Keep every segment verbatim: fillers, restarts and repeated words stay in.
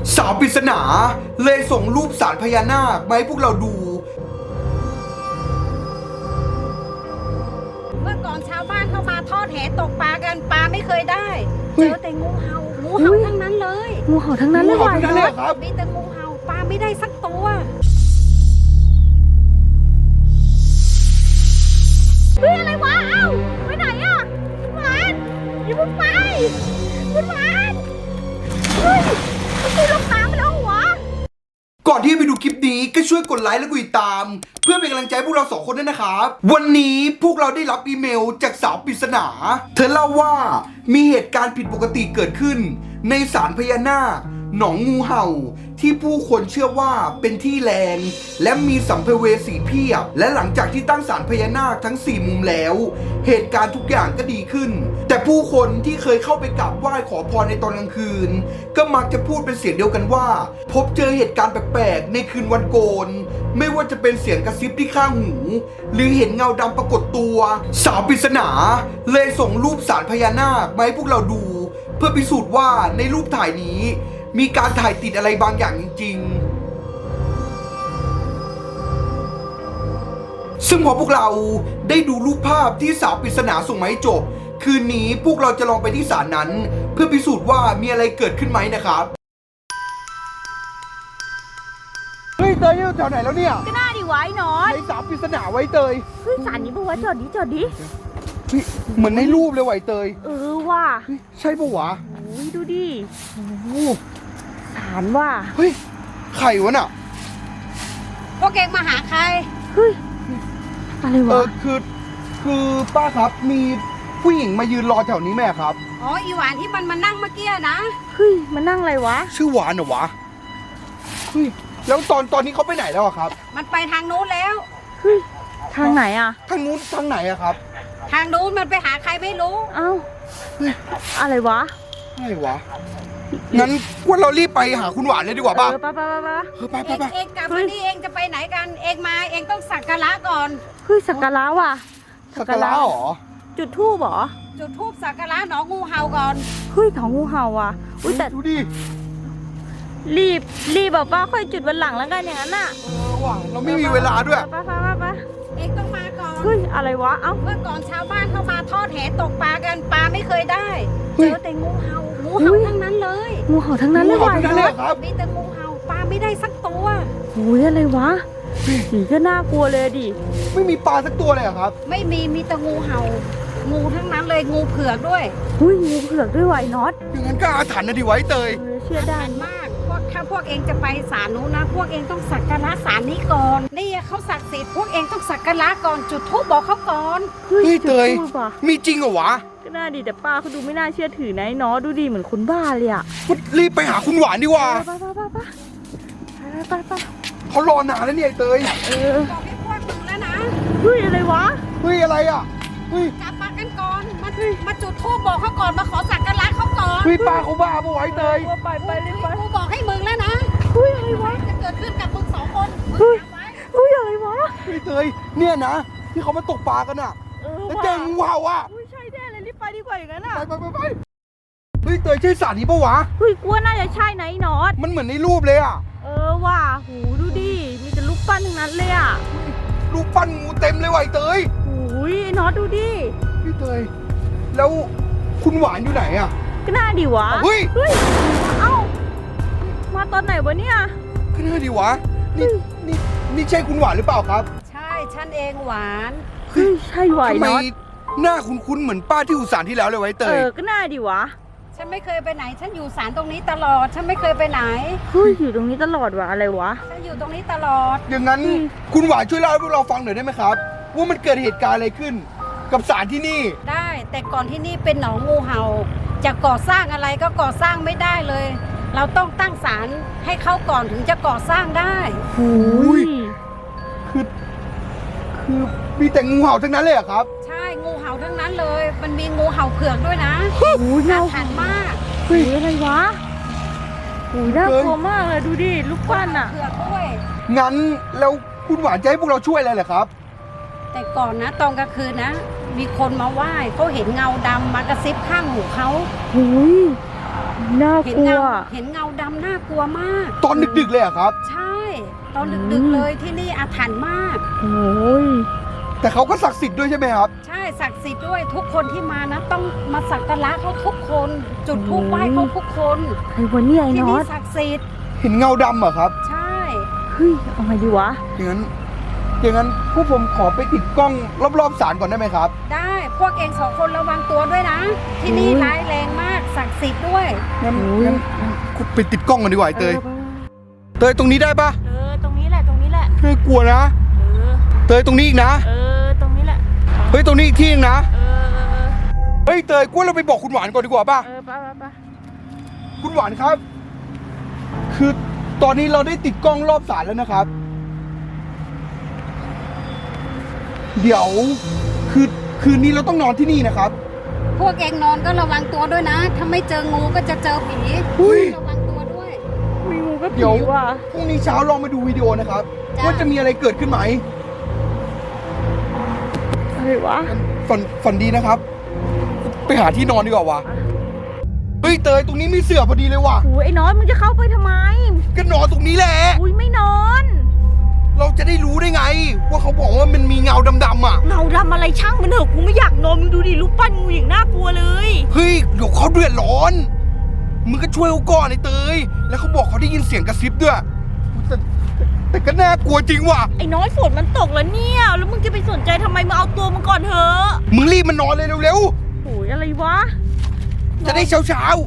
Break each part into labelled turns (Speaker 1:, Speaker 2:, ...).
Speaker 1: สาวปริศนาเลยส่งรูปสารพญานาคมาให้พวกเราดู
Speaker 2: เมื่อก่อนชาวบ้านเข้ามาทอดแหตกปลากันปลาไม่เคยได้เจอแต่งูเห่างูเห่าทั้งนั้นเลย
Speaker 3: งูเห่าทั้งนั้นเลยว่ะ
Speaker 2: มีแต่งูเห่าปลาไม่ได้สักตัวเฮ้ยอะไรวะเอ้าไปไหนอ่ะคุณหวานอย่าเพิ่งไปคุณหวานเฮ้ยคุณลงน้ำไปแล้วหัว
Speaker 1: ก่อนที่จะไปดูคลิปนี้ก็ช่วยกดไลค์และกดติดตามเพื่อเป็นกำลังใจพวกเราสองคนด้วยนะครับวันนี้พวกเราได้รับอีเมลจากสาวปริศนาเธอเล่าว่ามีเหตุการณ์ผิดปกติเกิดขึ้นในศาลพญานาคหนองงูเห่าที่ผู้คนเชื่อว่าเป็นที่แรงและมีสัมภเวสีเพียบและหลังจากที่ตั้งศาลพญานาคทั้งสี่มุมแล้วเหตุการณ์ทุกอย่างก็ดีขึ้นแต่ผู้คนที่เคยเข้าไปกราบไหว้ขอพรในตอนกลางคืนก็มักจะพูดเป็นเสียงเดียวกันว่าพบเจอเหตุการณ์แปลกๆในคืนวันโกนไม่ว่าจะเป็นเสียงกระซิบที่ข้างหูหรือเห็นเงาดำปรากฏตัวสาวปริศนาเลยส่งรูปศาลพญานาคมาให้พวกเราดูเพื่อพิสูจน์ว่าในรูปถ่ายนี้มีการถ่ายติดอะไรบางอย่างจริงๆซึ่งพอพวกเราได้ดูรูปภาพที่สาวปริศนาส่งมาให้จบคืนนี้พวกเราจะลองไปที่ศาลนั้นเพื่อพิสูจน์ว่ามีอะไรเกิดขึ้นไหมนะครับเฮ้ยเตยอยู่แถวไหนแล้วเนี่ย
Speaker 3: ก็น่าดีไว้นอน
Speaker 1: ในสาวปริศนาไว้เตย
Speaker 3: เฮ้ยศาลนี้ปะวะจอดดิจอดดิ
Speaker 1: เหมือนในรูปเลยไว้เตย
Speaker 3: เออว่ะ
Speaker 1: ใช่ปะวะ
Speaker 3: โอ้ยดูดิโอ้ศาลว่ะ
Speaker 1: เฮ้ยใครวะน่ะ
Speaker 2: พวกเองมาหาใคร
Speaker 3: เฮ้ยอะไรวะ
Speaker 1: เออคือคือป้าครับมีผู้หญิงมายืนรอแถวนี้แม่ครับ
Speaker 2: อ๋ออีหวานที่มันมานั่งเมื่อกี้นะ
Speaker 3: เฮ้ยมันนั่งอะไรวะ
Speaker 1: ชื่อหวานเหรอวะเฮ้ยแล้วตอนตอนนี้เขาไปไหนแล้วครับ
Speaker 2: มันไปทางนู้นแล้ว
Speaker 3: เฮ้ยทางไหนอะ
Speaker 1: ทางนู้นทางไหนอะครับ
Speaker 2: ทางนู้นมันไปหาใครไม่รู้
Speaker 3: เอ้าอะไรวะ
Speaker 1: อะไรวะงั้นว่าเรารีบไปหาคุณหวานเลยดีกว่าป่ะ
Speaker 3: เออไปไปไป
Speaker 1: เออไปไปไป
Speaker 2: เองกลับมานี่เองจะไปไหนกันเองมาเองต้องสักการะก่อน
Speaker 3: เฮ้ยสักการะว่ะ
Speaker 1: สักการะหรอ
Speaker 3: จุดธูปหรอ
Speaker 2: จุดธูปสักการะหนองงูเห่าก่อน
Speaker 3: เฮ้ยหนองงูเห่าว่ะอุ้ยแต่
Speaker 1: ดูดิ
Speaker 3: รีบรีบแบบว่าค่อยจุดวันหลังแล้วกันอย่างนั้นน่ะ
Speaker 1: เออว่ะเราไม่มีเวลาด้วย
Speaker 3: ไปไปไปไป
Speaker 2: เองต้องมาก่อน
Speaker 3: เฮ้ยอะไรวะเอ้า
Speaker 2: เมื่อก่อนชาวบ้านเข้ามาทอดแหตกปลากันปลาไม่เคยได้เจอแต่งูเห่างูเห่าทั้งนั้นเลย
Speaker 3: งูเห่าทั้งนั้นเลยว่ะ
Speaker 2: มีแต่งูเห่าปลาไม่ได้สักตัว
Speaker 3: โอ้ยอะไรวะสีก็น่ากลัวเลยดิ
Speaker 1: ไม่มีปลาสักตัวเลยครับ
Speaker 2: ไม่มีมีแต่งูเห่างูทั้งนั้นเลยงูเผือกด้วย
Speaker 3: อุ้ยงูเผือกด้วยไวน็อต
Speaker 1: อย่างนั้นก็อาถรรพ์นะดิไว้เตย
Speaker 3: เชื่อได้
Speaker 2: มากพวกถ้าพวกเองจะไปศาลนู้นนะพวกเองต้องสักการะศาลนี้ก่อนนี่เขาศักดิ์สิทธิ์พวกเองต้องสักการะก่อนจุดธูปบอกเขาก่อน
Speaker 1: เฮ้ยเตยมีจริงเหรอวะ
Speaker 3: ก็น่าดีแต่ป้าเขาดูไม่น่าเชื่อถือนะเนาะดูดีเหมือนคนบ้าเลยอะ
Speaker 1: รีบไปหาคุณหวานดีกว่า
Speaker 3: ไปไปไปไปไปไป
Speaker 1: เขารอนานแล้วเนี่ยเตย
Speaker 3: เออ
Speaker 2: บอกให้พวกมึงแล้วนะ
Speaker 3: เฮ้ยอะไรวะ
Speaker 1: เฮ้ยอะไรอ่ะเฮ้ย
Speaker 2: กลับมากันก่อนมามาจุดธูปบอกเขาก่อนมาขอสักการะเขาก่อน
Speaker 1: เฮ้ยป้าเขาบ้าปะไว้เตย
Speaker 3: ไปไปรีบไป
Speaker 2: กูบอกให้มึงแล้วนะ
Speaker 3: เฮ้ยอะไรวะ
Speaker 2: จะเกิดขึ้นกับมึงสองคน
Speaker 3: เฮ้ยเฮ้ยอะไรวะ
Speaker 1: เฮ้ยเตยเนี่ยนะที่เขามาตกปลากันอ่ะแล้วเจองูเห่าอ่ะ
Speaker 3: ใช่แน่เลยรีบไปดีกว่าอย่างนั้นอ่ะ
Speaker 1: ไปไปไปเฮ้ยเตยใช่ศาลนี้ปะวะ
Speaker 3: เฮ้ยกลัวน่าจะใช่ไหนนอต
Speaker 1: มันเหมือนในรูปเลยอ่ะ
Speaker 3: เออว่ะหูดูดิมีแต่รูปปั้นทั้งนั้นเลยอ่ะ
Speaker 1: รูปปั้นงูเต็มเลยว่ะเตย
Speaker 3: หูยนอตดูดิ
Speaker 1: พี่เตยแล้วคุณหวานอยู่ไหนอ่ะ
Speaker 3: ก็น่าดีวะ
Speaker 1: เฮ้ย
Speaker 3: เฮ้ยเอ้ามาตอนไหนวะเนี่ย
Speaker 1: ก็น่าดีวะนี่นี่นี่ใช่คุณหวานหรือเปล่าครับ
Speaker 2: ใช่ฉันเองหวาน
Speaker 3: เฮ้ยใช่ไหว
Speaker 1: ทำไมหน้าคุ้นๆเหมือนป้าที่อยู่ศาลที่แล้วเลยไว้เตย
Speaker 3: เออก็น่าดีวะ
Speaker 2: ฉันไม่เคยไปไหนฉันอยู่ศาลตรงนี้ตลอดฉันไม่เคยไปไหน
Speaker 3: เฮ้ยอยู่ตรงนี้ตลอดวะอะไรวะ
Speaker 2: ฉันอยู่ตรงนี้ตลอด
Speaker 1: อย่างนั้นคุณหวานช่วยเล่าให้พวกเราฟังหน่อยได้ไหมครับว่ามันเกิดเหตุการณ์อะไรขึ้นกับศาลที่นี่
Speaker 2: ได้แต่ก่อนที่นี่เป็นหนองงูเห่าจะก่อสร้างอะไรก็ก่อสร้างไม่ได้เลยเราต้องตั้งศาลให้เขาก่อนถึงจะก่อสร้างได้
Speaker 1: โอ้ยคือคือมีแต่งูเห่าทั้งนั้นเลยเหรอครับ
Speaker 2: ใช่งูเห่าทั้งนั้นเลยมันมีงูเห่าเผือกด้วยนะ
Speaker 3: โอ้ยน่า
Speaker 2: ขันมาก
Speaker 3: เฮ้ยอะไรวะโอ้ยน่ากลัวมากเลยดูดิลูกปั้นอ่ะ
Speaker 2: เผือกด้วย
Speaker 1: งั้นแล้วคุณหวานจะให้พวกเราช่วยอะไรเหรอครับ
Speaker 2: แต่ก่อนนะตอนกลางคืนนะมีคนมาไหว้เขาเห็นเงาดำมากระซิบข้างหูเขา
Speaker 3: โอ้ยน่า
Speaker 2: เห็
Speaker 3: ก
Speaker 2: น
Speaker 3: ลัว
Speaker 2: เงาเห็นเงาดำน่ากลัวมาก
Speaker 1: ตอนดึกๆเลยเหรอะครับ
Speaker 2: ใช่ ตอนดึกๆเลยที่นี่อาถรรพ์มาก
Speaker 3: โอ้ย
Speaker 1: แต่เขาก็ศักดิ์สิทธิ์ด้วยใช่ไหมครับ
Speaker 2: ใช่ศักดิ์สิทธิ์ด้วยทุกคนที่มานะต้องมาสักการะเขาทุกคน จุดธูปไหว้เขาทุกคน
Speaker 3: ใครวะเนี่ยไอ้
Speaker 2: ที่
Speaker 3: น็อ
Speaker 2: นี่
Speaker 3: ต
Speaker 2: ศักดิ์สิทธิ์
Speaker 1: เห็นเงาดำเหรอครับ
Speaker 2: ใช่
Speaker 3: เฮ้ยเอาไงดีวะ
Speaker 1: อย่างนั้น อย่างนั้นพวกผมขอไปติดกล้องรอบๆศาลก่อนได้ไหมครับ
Speaker 2: ได้พวกเองสองคนระวังตัวด้วยนะ ที่นี่ร้ายแรงมากศักดิ์สิทธิ์ด้วย
Speaker 1: งั้น
Speaker 3: โอ้ย
Speaker 1: งั้นคุณไปติดกล้องกันดีกว่าไอ้เตย
Speaker 3: ออ
Speaker 1: เตยตรงนี้ได้ปะ
Speaker 3: เออตรงนี้แหละตรงนี้แหละ
Speaker 1: น่ากลัวนะ
Speaker 3: เออ
Speaker 1: เตยตรงนี้อีกนะ
Speaker 3: เออตรงนี้แหละ
Speaker 1: เฮ้ยตรงนี้อีกที่นึงนะ
Speaker 3: เออเออเออ
Speaker 1: เฮ้ยเตยกลัวเราไปบอกคุณหวานก่อนดีกว่าป่ะ
Speaker 3: เออไปไปไป
Speaker 1: คุณหวานครับ คือตอนนี้เราได้ติดกล้องรอบศาลแล้วนะครับ เดี๋ยว คือคืนนี้เราต้องนอนที่นี่นะครับ
Speaker 2: พวกเองนอนก็ระวังตัวด้วยนะ ถ้าไม่เจองูก็จะเจอผี
Speaker 1: อุ้ย
Speaker 2: ระวังตัวด้วย
Speaker 3: มีงูก็
Speaker 1: เดี๋
Speaker 3: ผี
Speaker 1: ยว
Speaker 3: ว่ะ
Speaker 1: พรุ่งนี้เช้าลองมาดูวิดีโอนะครับ
Speaker 2: จ้ะ
Speaker 1: ว่าจะมีอะไรเกิดขึ้นไหม
Speaker 3: อะไรวะ
Speaker 1: ฝันฝันดีนะครับ ไปหาที่นอนดีกว่าวะเฮ้ยเตยตรงนี้มีเสื่อพอดีเลยว่ะ
Speaker 3: โอ้ยไอ้น็อตมึงจะเข้าไปทำไม
Speaker 1: ก็นอนตรงนี้แหละ
Speaker 3: อุ้ยไม่นอน
Speaker 1: เราจะได้รู้ได้ไง ว่าเขาบอกว่ามันมีเงาดำๆอ่ะ
Speaker 3: เงาดำอะไรช่างมันเถอะกูไม่อยากนอนมึงดูดิรูปปั้นงูอย่างน่ากลัวเลย
Speaker 1: เฮ้ยเดี๋ยวเขาเดือดร้อน มึงก็ช่วยเขาก่อนไอ้เตย แล้วเขาบอกเขาได้ยินเสียงกระซิบด้วยแต่แต่ก็น่ากลัวจริงว่ะ
Speaker 3: ไอ้น้อยฝนมันตกแล้วเนี่ย แล้วมึงจะไปสนใจทำไมมึงเอาตัวมึงก่อนเถอะ
Speaker 1: มึงรีบมานอนเลยเร็ว
Speaker 3: โอ้ยอะไรวะ
Speaker 1: ๆ จะได้เช้าๆ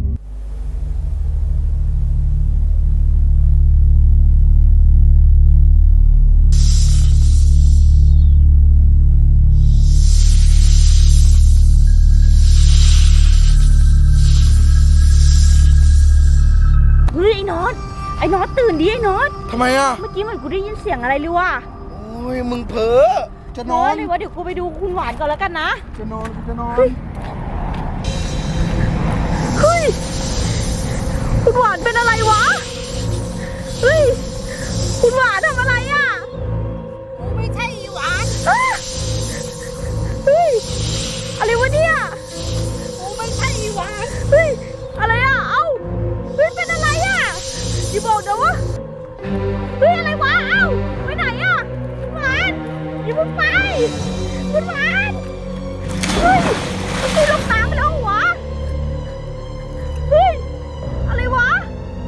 Speaker 3: เฮ้ยไอ้น็อตไอ้น็อตตื่นดิไอ้น็อต
Speaker 1: ทำไมอ่ะ
Speaker 3: เมื่อกี้เหมือนกูได้ยินเสียงอะไรเลยว่ะ
Speaker 1: โอ้ยมึงเพ้อจะนอน
Speaker 3: เลยว่าเดี๋ยวกูไปดูคุณหวานก่อนแล้วกันนะ
Speaker 1: จะนอนจะนอน
Speaker 3: เฮ้ย คุณหวานเป็นอะไรวะ เฮ้ย คุณหวานทำอะไรอ่ะ
Speaker 2: กูไม่ใช่อีหวาน
Speaker 3: อ้าเฮ้ย อะไรวะเนี่ย
Speaker 2: กูไม่ใช่อีหวาน
Speaker 3: เฮ้ย อะไรอ่ะ เอ้า เฮ้ย เป็นอะไรอ่ะอย่าบอกนะวะเฮ้ย อะไรวะ เอ้า ไปไหนอ่ะคุณหวานอย่าเพิ่งไปคุณหวานเฮ้ยมันตีลงน้ำไปแล้วเหรอวะเฮ้ย อะไรวะ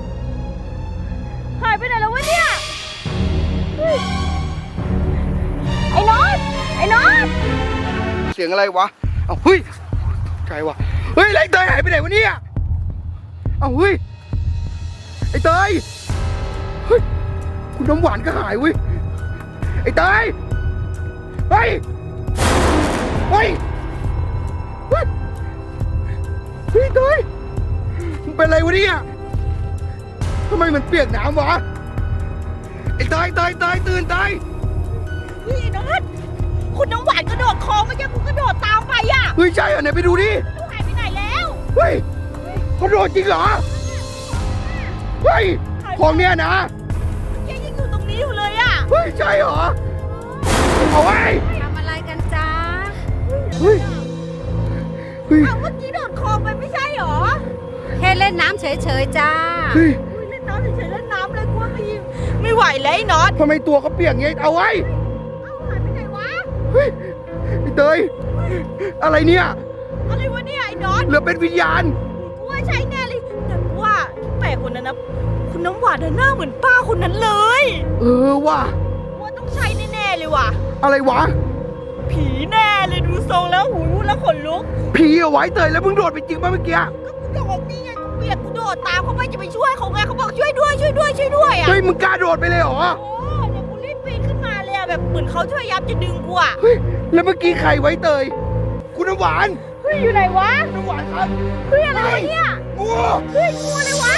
Speaker 3: หายไปไหนแล้ววะเนี่ยเฮ้ยไอ้น็อตไอ้น็อต
Speaker 1: เสียงอะไรวะ เอาเฮ้ยใครวะ เฮ้ยแล้วไอ้เตยหายไปไหนวะเนี่ย เอาเฮ้ย ไอ้เตย เฮ้ย คุณน้ำหวานก็หายเว้ย ไอ้เตย เฮ้ย เฮ้ย เฮ้ยเฮ้ยเตยมึงเป็นอะไรวะเนี่ยทำไมมันเปียกน้ำวะ ไอ้เตยเตยเตยตื่นเตย
Speaker 3: เฮ้ยไอ้น็อตคุณน้ำหวานกระโดดคลองเมื่อกี้กูกระโดดตามไปอ่ะ
Speaker 1: เฮ้ยใช่เหรอไหนไปดูดิ
Speaker 3: ลูกหายไปไหนแล้ว
Speaker 1: เฮ้ยเขาโดนจริงเหรอ เฮ้ย ของเนี้ยนะ
Speaker 3: แกยังอยู่ตรงนี้อยู่เลยอ่ะ
Speaker 1: เฮ้ยใช่เหรอ เอาไว้
Speaker 2: ทำอะไรกันจ้า
Speaker 1: เฮ้ย เฮ้ย
Speaker 3: เอาเมื่อกี้โดดคลองไปไม่ใช่หรอ
Speaker 2: แค่เล่นน้ำเฉยๆจ้า
Speaker 1: เฮ้ย
Speaker 3: อุ๊ยเล่นน้ำเฉยๆเล่นน้ำเลยกลัวไม่ยิงไม่ไหวแล้วไอ้น็อต
Speaker 1: ทำไมตัวเขาเปียกเงี้ยเอาไว้
Speaker 3: เอาหายไปไหนวะ
Speaker 1: เฮ้ยไอ้เตย อะไรเนี่ย
Speaker 3: อะไรวะเนี่ยไอ้น็อต
Speaker 1: เหลือเป็นวิญญาณ
Speaker 3: กูว่าใช่แน่เลยแต่กูว่าที่แปลกคนนั้นนะคุณน้ำหวานน่ะหน้าเหมือนป้าคนนั้นเลย
Speaker 1: เออว่ะ
Speaker 3: กูว่าต้องใช่แน่ๆเลยว่ะ
Speaker 1: อะไรวะ
Speaker 3: ผีแน่เลยดูทรงแล้วหูรู้แล้วขนลุก
Speaker 1: ผีเอาไว้เตยแล้วมึงโดดไปจริงป่ะเมื่อกี้
Speaker 3: ก็กูโดดนี่ไงกูเปียกกูโดดตามเขาไปจะไปช่วยเขาไงเขาบอกช่วยด้วยช่วยด้วยช่วยด้วยอ่ะ
Speaker 1: เฮ้ยมึงกล้าโดดไปเลยเหรอ
Speaker 3: โอ้เดี๋ยวกูรีบปีนขึ้นมาเลยอะแบบเหมือนเขาช่วยยับจะดึงกูอะ
Speaker 1: เฮ้ย แล้วเมื่อกี้ใครไว้เตย คุณน้ำหวาน
Speaker 3: เฮ้ยอยู่ไหนวะ
Speaker 1: น้ำหวานครับ
Speaker 3: เฮ้ยอะไรวะเนี่ย
Speaker 1: งู
Speaker 3: เฮ้ยงูอะไรวะ